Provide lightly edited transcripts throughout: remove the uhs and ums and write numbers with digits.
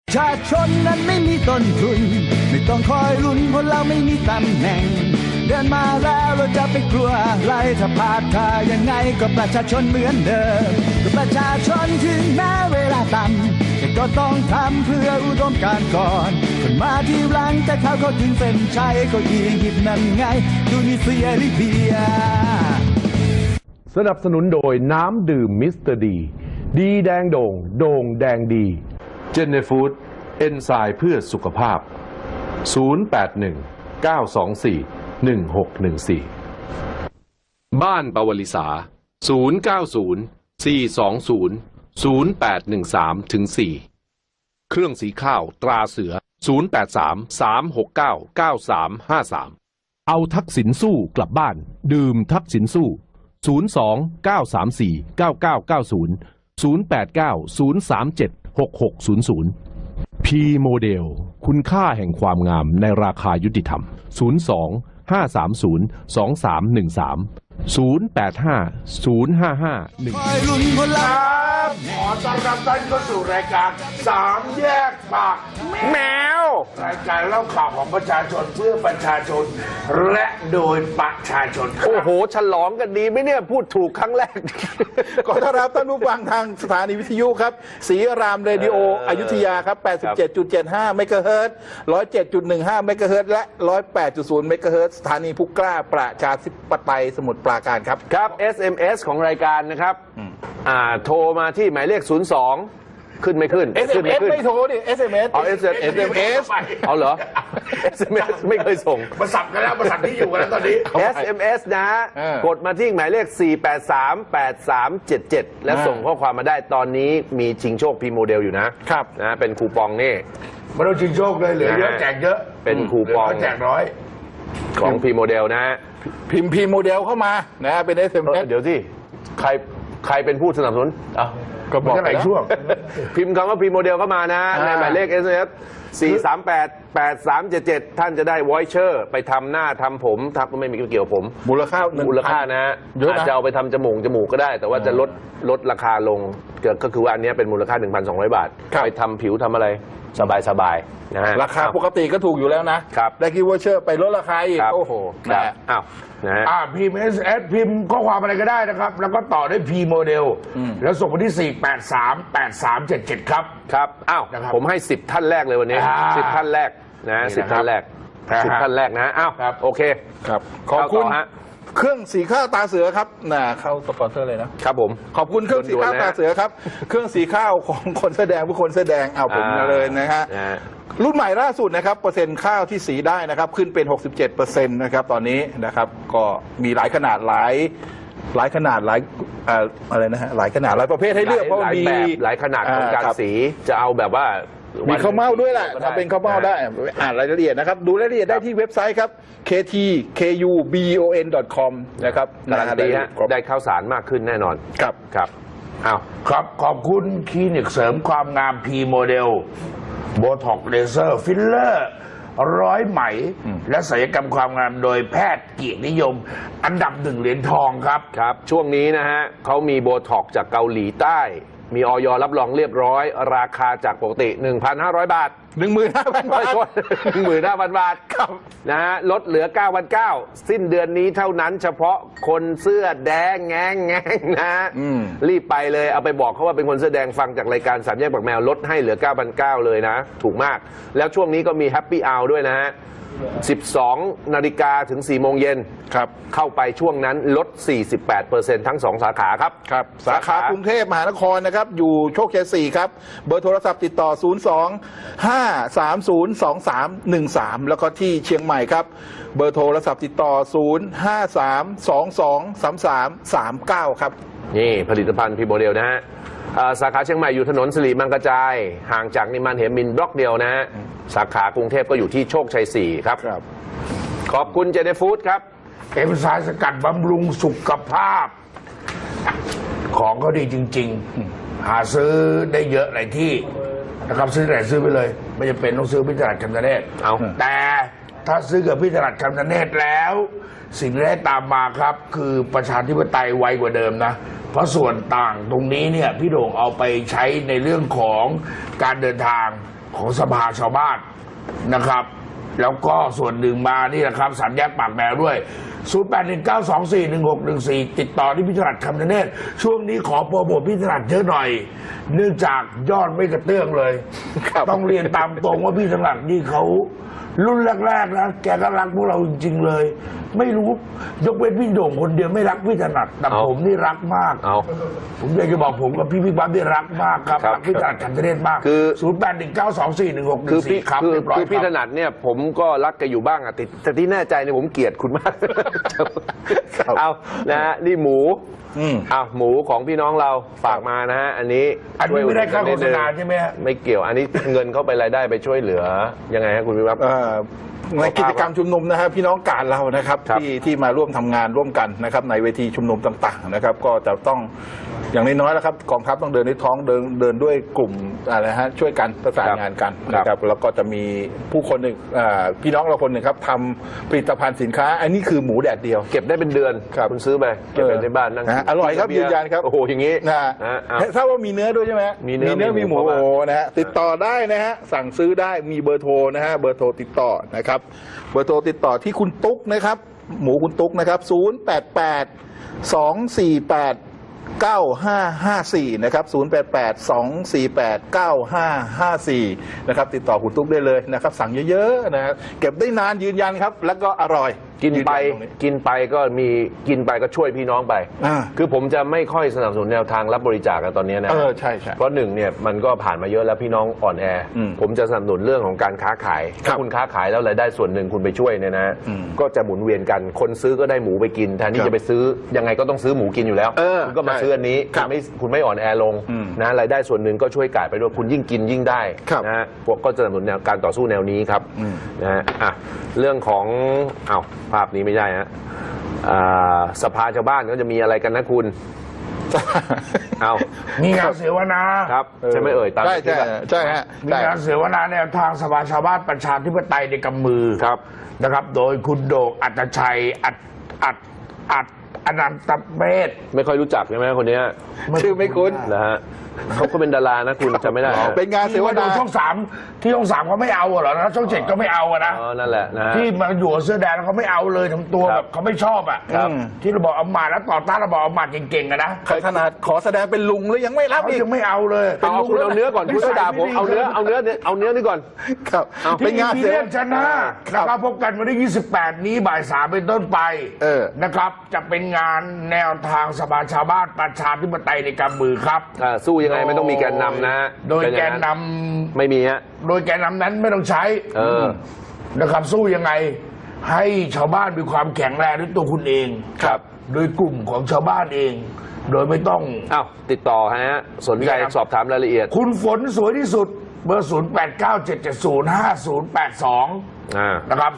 ประชาชนนั้นไม่มีต้นทุนไม่ต้องคอยลุ้นเพราะเราไม่มีตำแหน่งเดินมาแล้วเราจะไปกลัวอะไรถ้าพลาดท่ายังไงก็ประชาชนเหมือนเดิมก็ประชาชนถึงแม้เวลาต่ำแต่ก็ต้องทำเพื่ออุดมการณ์ก่อนคนมาที่หลังแต่เขาถึงเส้นชัยก็อียิปต์นั่นไงดูนิเซียลิเบียสนับสนุนโดยน้ำดื่มมิสเตอร์ดีดีแดงโด่งโด่งแดงดีเจนเนฟูดเอนไซม์เพื่อสุขภาพ0819241614บ้านปวลิสา0904200813-4เครื่องสีข้าวตราเสือ0833699353เอาทักษิณสู้กลับบ้านดื่มทักษิณสู้02-934-9990 089-037-6600 P โมเดลคุณค่าแห่งความงามในราคายุติธรรม02-530-2313 085-055-1 ขอต้อนรับท่านเข้าสู่รายการสามแยกปากแมวรายการเล่าข่าวของประชาชนเพื่อประชาชนและโดยประชาชนโอ้โหฉลองกันดีไหมเนี่ยพูดถูกครั้งแรกขอต้อนรับท่านผู้ฟังทางสถานีวิทยุครับศรีรามเรดิโออยุธยาครับ 87.75 เมกะเฮิรตซ์ 107.15 เมกะเฮิรตซ์และ 108.0 เมกะเฮิรตซ์สถานีผู้กล้าประชาธิปไตยสมุทรปราการครับครับ SMS ของรายการนะครับโทรมาที่หมายเลข02ขึ้นไม่ขึ้น SMS ไม่โทรดิ SMS อ๋อ SMS เอาเหรอ SMS ไม่เคยส่งมาสับกันแล้วมาสับที่อยู่กันแล้วตอนนี้ SMS นะกดมาที่หมายเลข4838377และส่งข้อความมาได้ตอนนี้มีชิงโชคพีโมเดลอยู่นะครับนะเป็นคูปองนี่ไม่ต้องชิงโชคเลยเหลือเยอะแจกเยอะเป็นคูปองแจกน้อยของพีโมเดลนะพิมพ์พีโมเดลเข้ามานะเป็น SMS เดี๋ยวที่ใครเป็นผู้สนับสนุนก็บอกไปช่วงพิมพ์คำว่าพีโมเดลเข้ามานะในหมายเลข SMS 4388377ท่านจะได้วอยเชอร์ไปทำหน้าทำผมไม่มีเกี่ยวผมมูลค่านะอาจจะเอาไปทำจมูกก็ได้แต่ว่าจะลดราคาลงก็คือว่าอันนี้เป็นมูลค่า 1,200 บาทไปทำผิวทำอะไรสบายนะฮะราคาปกติก็ถูกอยู่แล้วนะครับได้กิฟต์วอเชอร์ไปลดราคาอีกโอ้โหอ้าวนะพิมพ์ SMS พิมพ์ข้อความอะไรก็ได้นะครับแล้วก็ต่อด้วย P โมเดลแล้วส่งมาที่4838377ครับอ้าวผมให้10ท่านแรกเลยวันนี้10ท่านแรกนะ10ท่านแรก10ท่านแรกนะอ้าวโอเคครับขอบคุณเครื่องสีข้าวตาเสือครับเข้าสปอนเซอร์เลยนะครับผมขอบคุณเครื่องสีข้าวตาเสือครับเครื่องสีข้าวของคนแสดงผู้คนแสดงเอาผมมาเลยนะฮะรุ่นใหม่ล่าสุดนะครับเปอร์เซ็นต์ข้าวที่สีได้นะครับขึ้นเป็น 67% นะครับตอนนี้นะครับก็มีหลายขนาดหลายขนาดอะไรนะฮะหลายขนาดหลายประเภทให้เลือกเพราะมีหลายขนาดของการสีจะเอาแบบว่ามีข้าวเม่าด้วยแหละทำเป็นข้าวเม่าได้อ่านรายละเอียดนะครับดูรายละเอียดได้ที่เว็บไซต์ครับ ktkubon.com นะครับการันตีได้ข้าวสารมากขึ้นแน่นอนครับครับขอบคุณคลินิกเสริมความงาม P โมเดลโบท็อกเลเซอร์ฟิลเลอร์ร้อยไหมและศัลยกรรมความงามโดยแพทย์เกียรตินิยมอันดับ1เหรียญทองครับช่วงนี้นะฮะเขามีโบท็อกจากเกาหลีใต้มีอย.รับรองเรียบร้อยราคาจากปกติ 1,500 บาท 15,000 บาท 15,000 บาทนะฮะลดเหลือ 9,900 สิ้นเดือนนี้เท่านั้นเฉพาะคนเสื้อแดงแงนะรีบไปเลยเอาไปบอกเขาว่าเป็นคนเสื้อแดงฟังจากรายการสามแยกปากแมวลดให้เหลือ 9,900 เลยนะถูกมากแล้วช่วงนี้ก็มีแฮปปี้อาวด้วยนะฮะ12 นาฬิกาถึง 4 โมงเย็นเข้าไปช่วงนั้นลด 48% ทั้ง 2 สาขาครับสาขากรุงเทพมหานครนะครับอยู่โชคชัย 4 ครับเบอร์โทรศัพท์ติดต่อ 02-530-2313 แล้วก็ที่เชียงใหม่ครับเบอร์โทรศัพท์ติดต่อ 053-2233-39 ครับนี่ผลิตภัณฑ์พีโมเดลนะฮะสาขาเชียงใหม่อยู่ถนนสิริมังกระจายห่างจากนิมมานเหมินบล็อกเดียวนะฮะสาขากรุงเทพก็อยู่ที่โชคชัย 4 ครับขอบคุณเจเนฟูดครับเอ็มไซม์สกัดบำรุงสุขภาพของเขาดีจริงๆหาซื้อได้เยอะหลายที่นะครับซื้อไหนซื้อไปเลยไม่จำเป็นต้องซื้อพิจารณาคำนเนตแต่ถ้าซื้อกับพิจารณาคำนเนตแล้วสิ่งที่ได้ตามมาครับคือประชาธิปไตยไวกว่าเดิมนะเพราะส่วนต่างตรงนี้เนี่ยพี่โด่งเอาไปใช้ในเรื่องของการเดินทางของสภาชาวบ้านนะครับ แล้วก็ส่วนหนึ่งมานี่แหละครับสามแยกปากแมวด้วย 0819241614 ติดต่อที่พี่ถนัดคำเนตรช่วงนี้ขอโปรโมทพี่ถนัดเยอะหน่อย เนื่องจากยอดไม่กระเตื้องเลย ต้องเรียนตามตรงว่าพี่ถนัดนี่เขารุ่นแรกๆนะแกก็รักพวกเราจริงๆเลย ไม่รู้ยกเว้นพี่โด่งคนเดียวไม่รักพี่ถนัดแต่ผมนี่รักมาก ผมอยากจะบอกผมกับพี่ปั๊บที่รักมากครับรักพี่ถนัดคำเนตรมากคือ0819241614ครับคือพี่ถนัดเนี่ยผมก็รักแกอยู่บ้างอะแต่ที่แน่ใจเนี่ยผมเกลียดคุณมากเอานะฮะนี่หมูหมูของพี่น้องเราฝากมานะฮะอันนี้ไม่ได้ค่าโฆษณาใช่ไหมฮะไม่เกี่ยวอันนี้เงินเข้าไปรายได้ไปช่วยเหลือยังไงฮะคุณวิวัฒน์ในกิจกรรมชุมนุมนะครับพี่น้องกาดเรานะครับที่มาร่วมทำงานร่วมกันนะครับในเวทีชุมนุมต่างๆนะครับก็จะต้องอย่างน้อยๆแล้วครับกองทัพต้องเดินด้วยท้องเดินด้วยกลุ่มอะไรฮะช่วยกันประสานงานกันนะครับแล้วก็จะมีผู้คนหนึ่งพี่น้องเราคนหนึ่งครับทำผลิตภัณฑ์สินค้าอันนี้คือหมูแดดเดียวเก็บได้เป็นเดือนคุณซื้อไปเก็บไว้ในบ้านนั่งอร่อยครับยืนยันครับโอ้โหอย่างนี้ทราบว่ามีเนื้อด้วยใช่ไหมมีเนื้อมีหมูโอ้นะฮะติดต่อได้นะฮะสั่งซื้อได้มีเบอร์โทรนะฮะเบอร์โทรติดต่อนะครับเบอร์โทรติดต่อที่คุณตุ๊กนะครับหมูคุณตุ๊กนะครับ088-248-9554นะครับ088-248-9554นะครับติดต่อคุณตุ๊กได้เลยนะครับสั่งเยอะๆนะเก็บได้นานยืนยันครับแล้วก็อร่อยกินไปก็ช่วยพี่น้องไปคือผมจะไม่ค่อยสนับสนุนแนวทางรับบริจาคกันตอนนี้นะใช่เพราะหนึ่งเนี่ยมันก็ผ่านมาเยอะแล้วพี่น้องอ่อนแอผมจะสนับสนุนเรื่องของการค้าขายถ้าคุณค้าขายแล้วรายได้ส่วนหนึ่งคุณไปช่วยเนี่ยนะก็จะหมุนเวียนกันคนซื้อก็ได้หมูไปกินแทนที่จะไปซื้อยังไงก็ต้องซื้อหมูกินอยู่แล้วคุณก็มาซื้ออันนี้คุณไม่อ่อนแอลงนะรายได้ส่วนหนึ่งก็ช่วยกาดไปด้วยคุณยิ่งกินยิ่งได้นะพวกก็จะสนับสนุนแนวการต่อสู้แนวนี้ครับนะฮะเรื่องของภาพนี้ไม่ใช่ฮะสภาชาวบ้านก็จะมีอะไรกันนะคุณมีงานเสวนาครับใช่ไหมเอ่ยใช่ฮะมีงานเสวนาแนวทางสภาชาวบ้านประชาธิปไตยในกำมือครับนะครับโดยคุณโด่งอัตชัยอนันตเมธไม่ค่อยรู้จักใช่ไหมคนนี้ชื่อไม่คุ้นนะฮะเขาก็เป็นดารานะคุณจำไม่ได้เป็นงานเสวนาช่อง3ที่ช่อง3เขาไม่เอาเหรอนะช่อง7ก็ไม่เอานะนั่นแหละนะที่มาอยู่เสื้อแดงเขาไม่เอาเลยทำตัวแบบเขาไม่ชอบที่เราบอกเอามาแล้วต่อต้านเราบอกเอามาเก่งๆนะขนาดขอแสดงเป็นลุงแล้วยังไม่รับอีกยังไม่เอาเลยคุณเอาเนื้อก่อนคุณด่าผมเอาเนื้อนี่ก่อนครับเป็นงานเสวนาชนะนะครับพบกันวันที่28นี้บ่าย 3เป็นต้นไปนะครับจะเป็นงานแนวทางสภาชาวบ้านประชาธิปไตยในกำมือครับสู้ยังไงไม่ต้องมีแกนนำนะโดยแกนนำไม่มีฮะโดยแกนนำนั้นไม่ต้องใช้นะครับสู้ยังไงให้ชาวบ้านมีความแข็งแรงด้วยตัวคุณเองครับโดยกลุ่มของชาวบ้านเองโดยไม่ต้องติดต่อฮะสนใจสอบถามรายละเอียดคุณฝนสวยที่สุดเบอร์0897705082นะครับ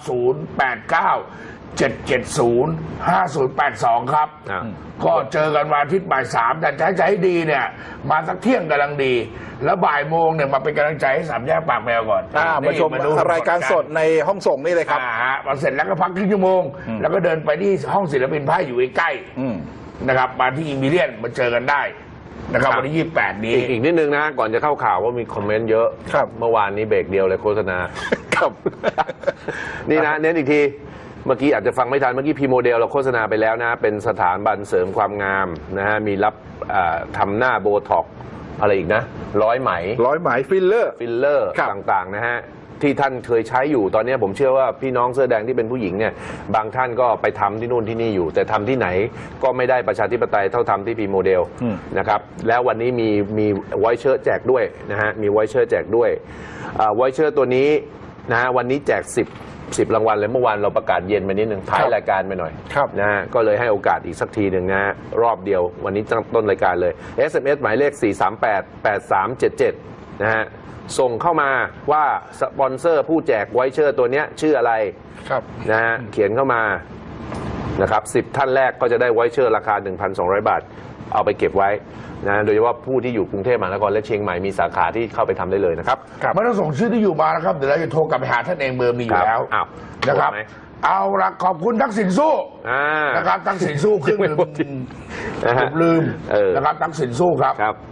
0897705082ครับก็เจอกันวันอาทิตย์บ่าย 3แต่ใจดีเนี่ยมาสักเที่ยงกำลังดีแล้วบ่ายโมงเนี่ยมาเป็นกำลังใจให้3แยกปากแมวก่อนมาชมรายการสดในห้องส่งนี่เลยครับมาเสร็จแล้วก็พักครึ่งชั่วโมงแล้วก็เดินไปที่ห้องศิลปินไพ่อยู่ใกล้ๆนะครับมาที่อิมพีเรียนมาเจอกันได้นะครับวันที่28นี้อีกนิดนึงนะก่อนจะเข้าข่าวว่ามีคอมเมนต์เยอะเมื่อวานนี้เบรกเดียวเลยโฆษณาครับนี่นะเน้นอีกทีเมื่อกี้อาจจะฟังไม่ทันเมื่อกี้พีโมเดลเราโฆษณาไปแล้วนะเป็นสถาบันเสริมความงามนะฮะมีรับทำหน้าโบท็อกอะไรอีกนะร้อยไหมฟิลเลอร์ต่างๆนะฮะที่ท่านเคยใช้อยู่ตอนนี้ผมเชื่อว่าพี่น้องเสื้อแดงที่เป็นผู้หญิงเนี่ยบางท่านก็ไปทำที่นู่นที่นี่อยู่แต่ทำที่ไหนก็ไม่ได้ประชาธิปไตยเท่าทำที่พีโมเดลนะครับแล้ววันนี้มีไวเชอร์แจกด้วยนะฮะมีไวเชอร์แจกด้วยไวเชอร์ตัวนี้นะฮะวันนี้แจก10รางวัลเลยเมื่อวานเราประกาศเย็นไปนิดนึงท้ายรายการไปหน่อยนะฮะก็เลยให้โอกาสอีกสักทีหนึ่งนะฮะรอบเดียววันนี้ต้นรายการเลย SMS หมายเลข4388377นะฮะส่งเข้ามาว่าสปอนเซอร์ผู้แจกไวเชอร์ตัวนี้ชื่ออะไรนะฮะเขียนเข้ามานะครับ10ท่านแรกก็จะได้ไวเชอร์ราคา 1,200 บาทเอาไปเก็บไว้นะโดยเฉพาะผู้ที่อยู่กรุงเทพมหานครและเชียงใหม่มีสาขาที่เข้าไปทำได้เลยนะครับไม่ต้องส่งชื่อที่อยู่มานะครับเดี๋ยวเราจะโทรกลับไปหาท่านเองเบอร์มีอยู่แล้วนะครับเอาละขอบคุณทักษิณสู้นะครับทักษิณสู้ครึ่งหนึ่งลืมนะครับทักษิณสู้ครับ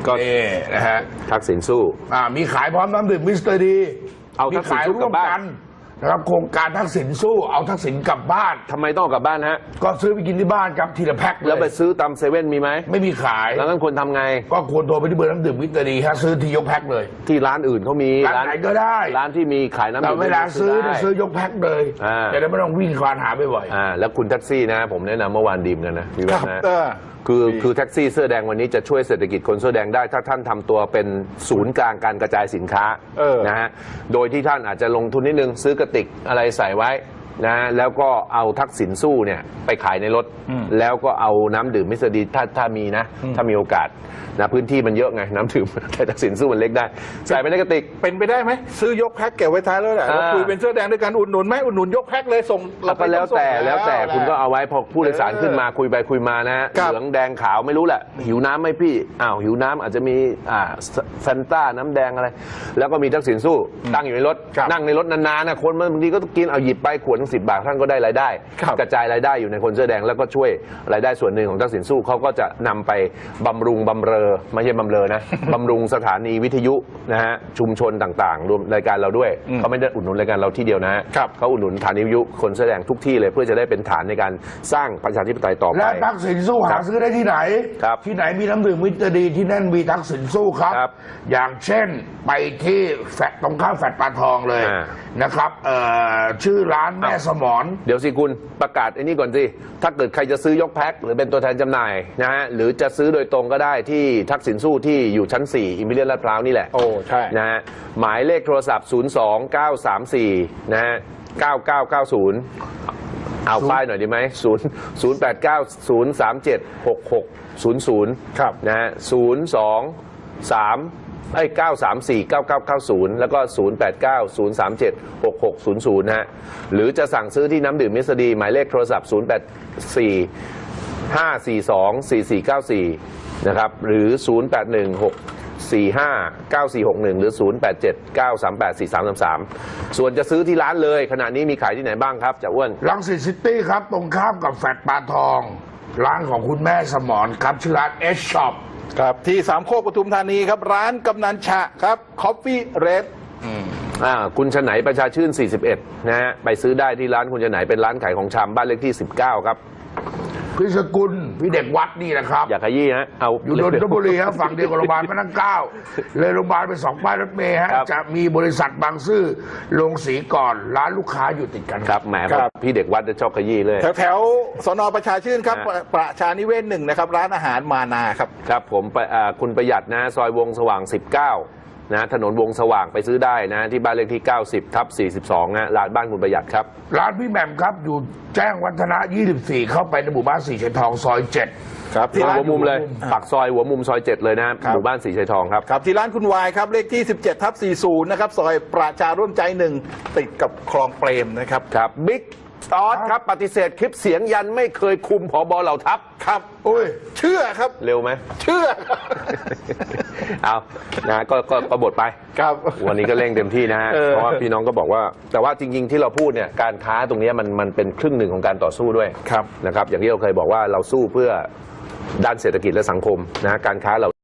ก็นี่นะฮะทักษิณสู้มีขายพร้อมน้ำดื่มมิสเตอร์ดีเอามีทักษิณขายสู้ร่กลัวบมบ้านกันนะครับโครงการทักษิณสู้เอาทักษิณกลับบ้านทำไมต้องเอากลับบ้านฮะก็ซื้อไปกินที่บ้านครับทีละแพ็คเลแล้วไปยซื้อตามเซเว่นมีไหมไม่มีขายแล้วงั้นควรทำไงก็ควรโทรไปที่เบอร์น้ำดื่มมิสเตอร์ดีฮะซื้อที่ยกแพ็คเลยที่ร้านอื่นเขามีร้านไหนก็ได้ร้านที่มีขายน้ำแต่ดื่มเวลาซื้อได้ซื้อยกแพ็คเลยอ่าจะได้ไม่ต้องวิ่งควานหาบ่อยแล้วคุณแท็กซี่นะ ผมแนะนำเมื่อวานดีมกันนะพี่คแว่รับนนะดีคือแท็กซี่เสื้อแดงวันนี้จะช่วยเศรษฐกิจคนเสื้อแดงได้ถ้าท่านทำตัวเป็นศูนย์กลางการกระจายสินค้านะฮะโดยที่ท่านอาจจะลงทุนนิดนึงซื้อกระติกอะไรใส่ไว้นะแล้วก็เอาทักษิณสู้เนี่ยไปขายในรถ แล้วก็เอาน้ำดื่มมิสเตอร์ดีถ้ามีนะ ถ้ามีโอกาสนะพื้นที่มันเยอะไงน้ำดื่ม แต่ทักษิณสู้มันเล็กได้ใส่ไปในกระติกเป็นไปได้ไหมซื้อยกแพ็คเก็บไว้ท้ายแล้วแหละเราคุยเป็นเสื้อแดงด้วยกันอุดหนุนไหมอุดหนุนยกแพ็คเลยส่งก็แล้วแต่คุณก็เอาไว้พอผู้โดยสารขึ้นมาคุยไปคุยมานะฮะครับเหลืองแดงขาวไม่รู้แหละหิวน้ำไหมพี่หิวน้ำอาจจะมีแฟนต้าน้ำแดงอะไร แล้วก็มีทักษิณสู้ตั้งอยู่ในรถครับนั่งในรถนานๆนะคนบางทีก็กินเอาหยิบไปขวด10 บาทท่านก็ได้รายได้ครับกระจายรายได้อยู่ในคนเสื้อแดงแล้วก็ช่วยรายได้ส่วนหนึ่งของทักษิณสู้เขาก็จะนำไปบำรุงบำเรอไม่ใช่บำเรอนะ บำรุงสถานีวิทยุนะฮะชุมชนต่างๆ รวมรายการเราด้วยเขาไม่ได้อุดหนุนรายการเราที่เดียวนะฮะครับเขาอุดหนุนสถานีวิทยุคนเสื้อแดงทุกที่เลยเพื่อจะได้เป็นฐานในการสร้างประชาธิปไตยต่อๆไปและทักษิณสู้หาซื้อได้ที่ไหนครับที่ไหนมีน้ำดื่มมิสเตอร์ดีที่นั่นมีทักษิณสู้ครับครับอย่างเช่นไปที่แฟลตตรงข้ามแฟลตปลาทองเลยอ่านะครับชื่อร้านแม่สมรเดี๋ยวสิคุณประกาศไอ้นี่ก่อนสิถ้าเกิดใครจะซื้อยกแพ็คหรือเป็นตัวแทนจำหน่ายนะฮะหรือจะซื้อโดยตรงก็ได้ที่ทักษิณสู้ที่อยู่ชั้น 4 อิมพีเรียลลาดพร้าวนี่แหละโอ้ใช่นะฮะหมายเลขโทรศัพท์ 02934 นะฮะ 9990 เอาป้ายหน่อยดีไหม089-037-6600 ครับนะฮะ934-9990 แล้วก็ 089-037-6600 นะฮะ หรือจะสั่งซื้อที่น้ำดื่มมิสดีหมายเลขโทรศัพท์ 084-542-4494 นะครับ หรือ 0816459461 หรือ 0879384333 ส่วนจะซื้อที่ร้านเลยขณะนี้มีขายที่ไหนบ้างครับจ่าอ้วนรังสิตซิตี้ครับ ตรงข้ามกับแฟลตปลาทอง ร้านของคุณแม่สมรครับ ชื่อร้านเอชช็อปครับที่สามโคกปทุมธานีครับร้านกำนันฉะครับคอฟฟี่เรดคุณฉไหนประชาชื่น 41 นะฮะ ไปซื้อได้ที่ร้านคุณฉไหนเป็นร้านขายของชำบ้านเลขที่ 19 ครับพี่สกุลพี่เด็กวัดนี่นะครับอย่าขยี้ฮะ เอาอยู่นนทบุรีครับฝั่งเดียวกับโรงพยาบาลพระนั่งเกล้าเลยโรงพยาบาลไป2 ป้ายรถเมล์ฮะครับจะมีบริษัทบางซื่อลงสีก่อนร้านลูกค้าอยู่ติดกันครับ แหมพี่เด็กวัดจะชอบขยี้เลยแถวสนประชาชื่นครับ ประชานิเวศ1นะครับร้านอาหารมานาครับครับผมคุณประหยัดนะซอยวงสว่าง 19 นะถนนวงสว่างไปซื้อได้นะที่บ้านเลขที่ 90/42 นะร้านบ้านคุณประหยัดครับร้านพี่แหม่มครับอยู่แจ้งวัฒนะ 24 เข้าไปในหมู่บ้านสีชัยทองซอย 7 ครับที่ร้านหัวมุมเลยปากซอยหัวมุมซอย 7 เลยนะหมู่บ้านสีชัยทองครับครับที่ร้านคุณวายครับเลขที่ 17/40 นะครับซอยประชาร่วมใจ1ติดกับคลองเปรมนะครับครับบิ๊กตอสครับปฏิเสธคลิปเสียงยันไม่เคยคุมผบเหล่าทัพครับอุ้ยเชื่อครับเร็วไหมเชื่อครับเอานะก็บทไปครับวันนี้ก็เร่งเต็มที่นะฮะ เพราะว่าพี่น้องก็บอกว่า แต่ว่าจริงๆที่เราพูดเนี่ยการค้าตรงนี้มันเป็นครึ่งหนึ่งของการต่อสู้ด้วยครับนะครับ อย่างที่เราเคยบอกว่าเราสู้เพื่อด้านเศรษฐกิจและสังคมนะการค้าเรา